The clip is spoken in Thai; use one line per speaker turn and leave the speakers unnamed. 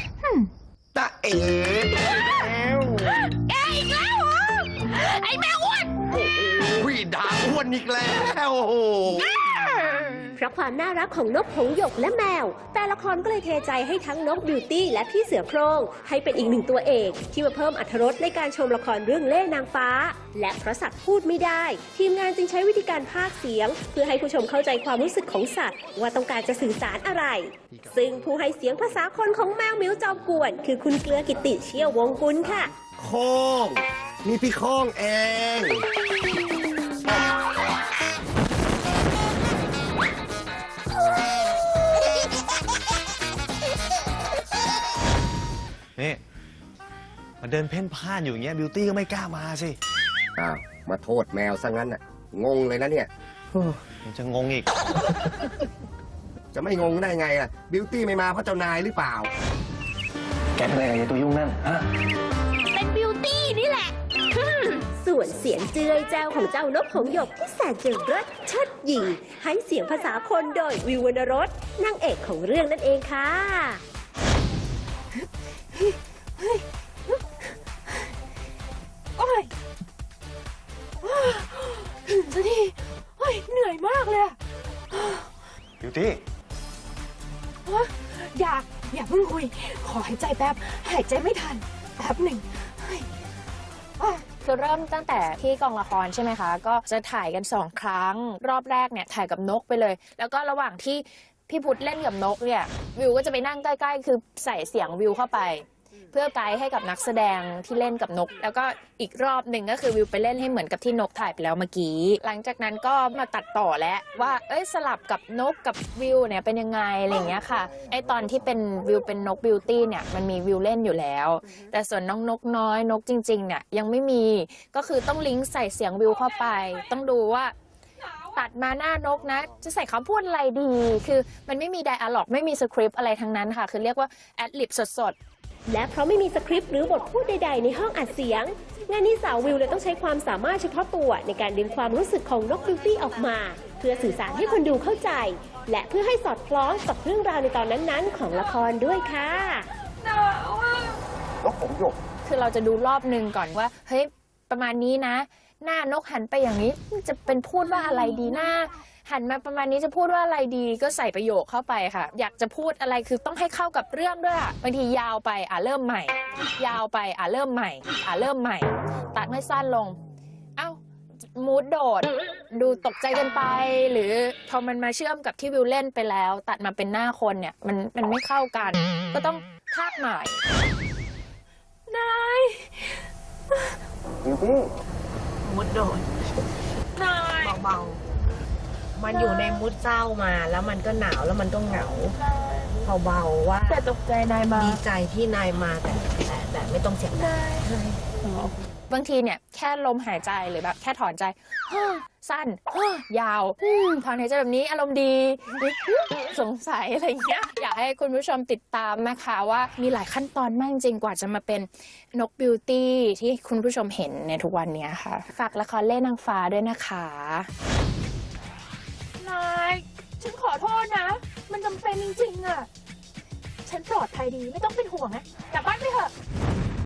ตาเอ๋แล้ว
แกอีกแล้วเหรอไอ้แมวอ้วน
โอ้ยด่าอ้วนอีกแล้วโอ้โห
เพราะความน่ารักของนกหงส์หยกและแมวแต่ละครก็เลยเทใจให้ทั้งนกบิวตี้และพี่เสือโคร่งให้เป็นอีกหนึ่งตัวเอกที่มาเพิ่มอรรถรสในการชมละครเรื่องเล่ห์นางฟ้าและเพราะสัตว์พูดไม่ได้ทีมงานจึงใช้วิธีการพากย์เสียงเพื่อให้ผู้ชมเข้าใจความรู้สึกของสัตว์ว่าต้องการจะสื่อสารอะไรซึ่งผู้ให้เสียงภาษาคนของแมวเหมียวจอมกวนคือคุณเกลือกิติเชี่ยววงกุลค่ะ
โค้งนี่พี่โค้งเอง
นี่มาเดินเพ่นพ่านอยู่อย่างเงี้ยบิวตี้ก็ไม่กล้ามาสิ
อ้าวมาโทษแมวซะงั้นน่ะงงเลยนะเนี่ย
ยังจะงงอีก
จะไม่งงได้ไงล่ะบิวตี้ไม่มาเพราะเจ้านายหรือเปล่า
แกเป็นอะไรกับตัวยุ่งนั่นฮะ
เป็นบิวตี้นี่แหละ
ส่วนเสียงเจือยแจ้วของเจ้านกหงส์หยกที่แสนจะเลิศเชิดหยิ่งให้เสียงภาษาคนโดยวิววรรณรสนางเอกของเรื่องนั่นเองค่ะ
โอ้ยถึงสักทีเหนื่อยมากเลยอะ
บิวตี้
อย่าเพิ่งคุยขอหายใจแป๊บหายใจไม่ทันแป๊บหนึ่ง
คือเริ่มตั้งแต่ที่กองละครใช่ไหมคะก็จะถ่ายกัน2 ครั้งรอบแรกเนี่ยถ่ายกับนกไปเลยแล้วก็ระหว่างที่พี่พุทธเล่นกับนกเนี่ยวิวก็จะไปนั่งใกล้ๆคือใส่เสียงวิวเข้าไปเพื่อไกด์ให้กับนักแสดงที่เล่นกับนกแล้วก็อีกรอบหนึ่งก็คือวิวไปเล่นให้เหมือนกับที่นกถ่ายไปแล้วเมื่อกี้หลังจากนั้นก็มาตัดต่อแล้วว่าสลับกับนกกับวิวเนี่ยเป็นยังไงอะไรอย่างเงี้ยค่ะตอนที่เป็นวิวเป็นนกบิวตี้เนี่ยมันมีวิวเล่นอยู่แล้วแต่ส่วนน้องนกน้อยนกจริงๆเนี่ยยังไม่มีก็คือต้องลิงก์ใส่เสียงวิวเข้าไปต้องดูว่าตัดมาหน้านกนะจะใส่คำพูดอะไรดีคือมันไม่มีไดอะล็อกไม่มีสคริปต์อะไรทั้งนั้นค่ะคือเรียกว่าแอดลิบสด
และเพราะไม่มีสคริปต์หรือบทพูดใดๆในห้องอัดเสียงงานนี้สาววิวเลยต้องใช้ความสามารถเฉพาะตัวในการดึงความรู้สึกของนกบิวตี้ออกมาเพื่อสื่อสารให้คนดูเข้าใจและเพื่อให้สอดคล้องกับเรื่องราวในตอนนั้นๆของละครด้วยค่ะ
นกหงส์หยก
คือเราจะดูรอบนึงก่อนว่าเฮ้ยประมาณนี้นะหน้านกหันไปอย่างนี้จะเป็นพูดว่าอะไรดีหน้าหันมาประมาณนี้จะพูดว่าอะไรดีก็ใส่ประโยคเข้าไปค่ะอยากจะพูดอะไรคือต้องให้เข้ากับเรื่องด้วยบางทียาวไปเริ่มใหม่ยาวไปเริ่มใหม่เริ่มใหม่ตัดให้สั้นลงมูดโดดดูตกใจกันไปหรือพอมันมาเชื่อมกับที่วิวเล่นไปแล้วตัดมาเป็นหน้าคนเนี่ยมันไม่เข้ากันก็ต้องพากย์ใหม่
นาย
มูดโดดเบาๆมันอยู่ในมูดเศร้ามาแล้วมันก็หนาวแล้วมันก็เหงาเบาๆว่า
แต่ตกใจนายมา
ดีใจที่นายมาแต่ไม่ต้องเสียงดัง
บางทีเนี่ยแค่ลมหายใจหรือแบบแค่ถอนใจสั้นยาวถอนหายใจแบบนี้อารมณ์ดีสงสัยอะไรอย่างเงี้ยอยากให้คุณผู้ชมติดตามนะคะว่ามีหลายขั้นตอนมากจริงกว่าจะมาเป็นนกบิวตี้ที่คุณผู้ชมเห็นในทุกวันนี้ค่ะฝากละครเล่ห์นางฟ้าด้วยนะคะ
นายฉันขอโทษนะมันจำเป็นจริงๆอ่ะฉันปลอดภัยดีไม่ต้องเป็นห่วงนะกลับบ้านไปเถอะ